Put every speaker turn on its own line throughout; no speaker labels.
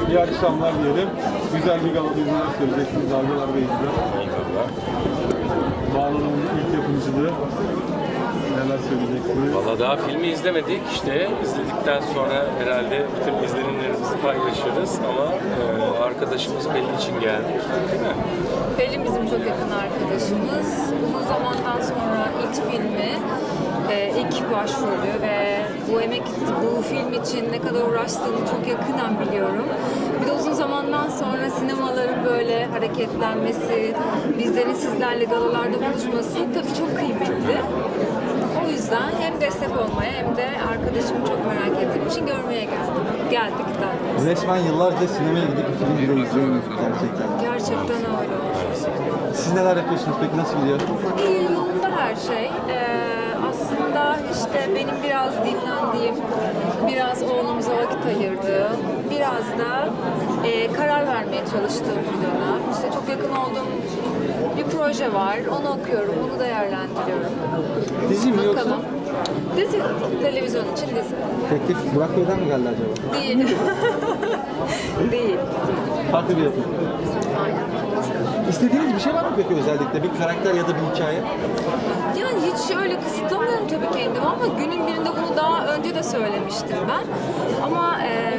İyi akşamlar diyelim. Güzel bir galada neler söyleyeceksiniz? Dalgalar ve İzler.
Eyvallah.
Bağlanımın ilk yapımcılığı. Neler söyleyeceksiniz?
Valla daha filmi izlemedik işte. İzledikten sonra herhalde bütün izlenimlerimizi paylaşırız ama arkadaşımız Pelin için geldik. Değil mi?
Pelin bizim çok yakın arkadaşımız. Uzun zamandan sonra ilk filmi, ilk başrolü ve bu film için ne kadar uğraştığını çok yakından biliyorum. Bir de uzun zamandan sonra sinemaların böyle hareketlenmesi, bizlerin sizlerle galalarda buluşması tabii çok kıymetli. O yüzden hem destek olmaya hem de arkadaşımı çok merak ettiğim için görmeye geldik de.
Resmen yıllarca sinemaya gidip film bile izliyoruz gerçekten.
Gerçekten öyle oldu.
Siz neler yapıyorsunuz peki? Nasıl gidiyor?
İyi, yolunda her şey. Aslında işte benim biraz dinlendiğim, biraz oğlumuza vakit ayırdığım, biraz da karar vermeye çalıştığım bir dönem. İşte çok yakın olduğum bir proje var, onu okuyorum, onu değerlendiriyorum.
Dizi mi yoksa?
Bakalım. Dizi, televizyon için dizi.
Teklif Burak Bey'den mi geldi acaba?
Değil. Değil.
Farklı bir yapım.
Aynen.
İstediğiniz bir şey var mı peki özellikle? Bir karakter ya da bir hikaye?
Yani hiç öyle kısıtlamıyorum tabii kendimi ama günün birinde bunu daha önce de söylemiştim ben. Ama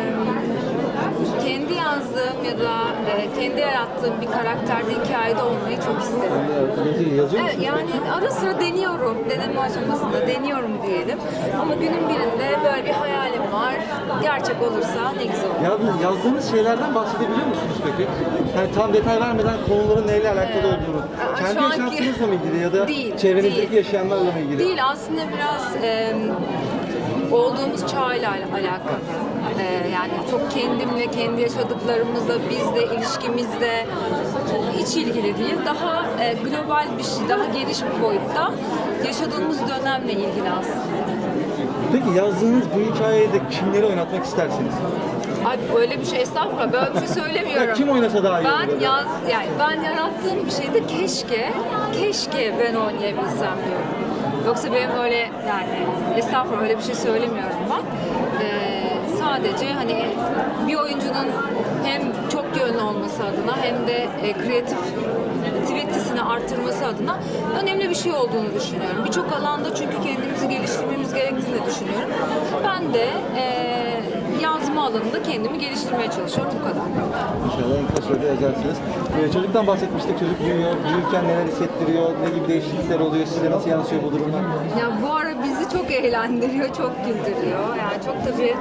kendi yazdığım ya da kendi yarattığım bir karakterde, hikayede olmayı çok isterim.
Yazıyor
Evet,
musunuz?
yani ara sıra deniyorum, deneme aşamasında deniyorum diyelim. Ama günün birinde böyle bir hayalim var. Gerçek olursa ne güzel olur.
Yazdığınız şeylerden bahsedebiliyor musunuz peki? Yani tam detay vermeden konuların neyle alakalı olduğunu. Kendi
şu anki-
yaşantınızla mı ilgili ya da
Değil,
çevrenizdeki
değil.
yaşayanlarla mı ilgili?
Değil, aslında biraz olduğumuz çağla alakalı. Yani çok kendimle, kendi yaşadıklarımızla, bizle, ilişkimizle hiç ilgili değil. Daha global bir şey, daha geniş bir boyutta yaşadığımız dönemle ilgili aslında.
Peki yazdığınız bu hikayede kimleri oynatmak istersiniz?
Ay öyle bir şey, estağfurullah, böyle bir şey söylemiyorum.
Ya kim oynasa daha iyi olur
Ben
acaba?
ben yarattığım bir şeyde keşke ben oynayabilsem diyorum. Yoksa benim öyle yani estağfurullah öyle bir şey söylemiyorum ben. Sadece hani bir oyuncunun hem çok yönlü olması adına hem de kreativitesini arttırması adına önemli bir şey olduğunu düşünüyorum. Birçok alanda çünkü kendimizi geliştirmemiz gerektiğini düşünüyorum. Ben de yazma alanında kendimi geliştirmeye çalışıyorum bu kadar.
İnşallah en kısa sürede yazarsınız. Çocuktan bahsetmiştik. Çocuk büyüyor. Büyürken neler hissettiriyor? Ne gibi değişiklikler oluyor? Size nasıl yansıyor bu durumlar?
Ya bu ara bizi çok eğlendiriyor, çok güldürüyor. Yani çok tabii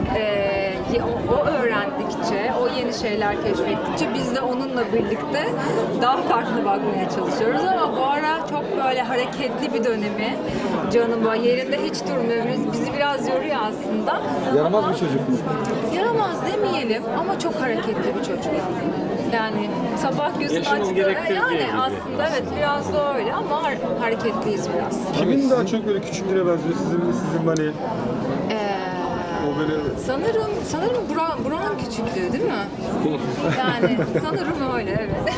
o öğrendikçe, o yeni şeyler keşfettikçe biz de onunla birlikte daha farklı bakmaya çalışıyoruz. Ama bu ara çok böyle hareketli bir dönemi, canım yerinde hiç durmuyor. Bizi biraz yoruyor aslında.
Yaramaz bir çocuk mu?
Yaramaz demeyelim ama çok hareketli bir çocuk. Yani sabah gözüm
Yaşının
açtı.
gerektirdiği
Yani
gibi.
aslında evet biraz da öyle ama hareketliyiz biraz.
Kimin daha çok böyle küçüklüğüne benziyor? Sizin hani o böyle...
Sanırım Burak'ın küçüklüğü değil mi? Yani sanırım öyle evet.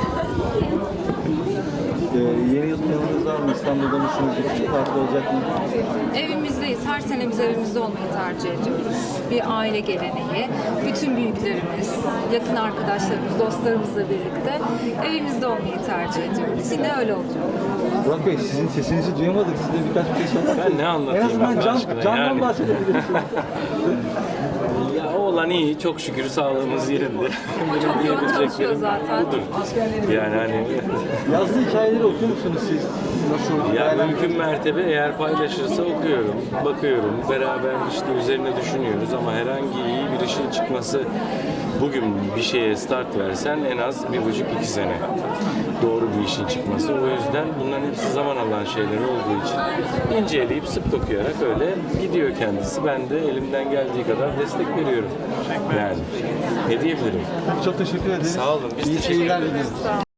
Yeni yıl planınız var mı? İstanbul'da mısınız? Bir küçük parti olacak mı?
Evimizdeyiz. Her sene biz evimizde olmayı tercih ediyoruz. Bir aile geleneği. Bütün büyüklerimiz, yakın arkadaşlarımız, dostlarımızla birlikte evimizde olmayı tercih ediyoruz. Yine öyle olacak.
Burak Bey sizin sesinizi duyamadık. Size birkaç bir şey sormak
Ben ne anlatayım
En azından
Allah aşkına
candan
yani.
bahsedebilirsiniz.
Ya oğlan iyi, çok şükür sağlığımız yerinde.
Çok yoğun çalışıyor zaten.
budur. Yani hani
Yazdığı hikayeleri okuyor musunuz siz? Nasıl?
ya mümkün mertebe eğer paylaşırsa okuyorum, bakıyorum, beraber işte üzerine düşünüyoruz ama herhangi iyi bir işin çıkması bugün bir şeye start versen en az 1,5-2 sene doğru bir işin çıkması. O yüzden bunların hepsi zaman alan şeyler olduğu için inceleyip sık dokuyarak öyle gidiyor kendisi. Ben de elimden geldiği kadar destek veriyorum. Yani ne diyebilirim?
Çok teşekkür ederiz.
Sağ olun. Biz
İyi
teşekkür
seyirler
ederiz.
dileriz.
Sağ olun.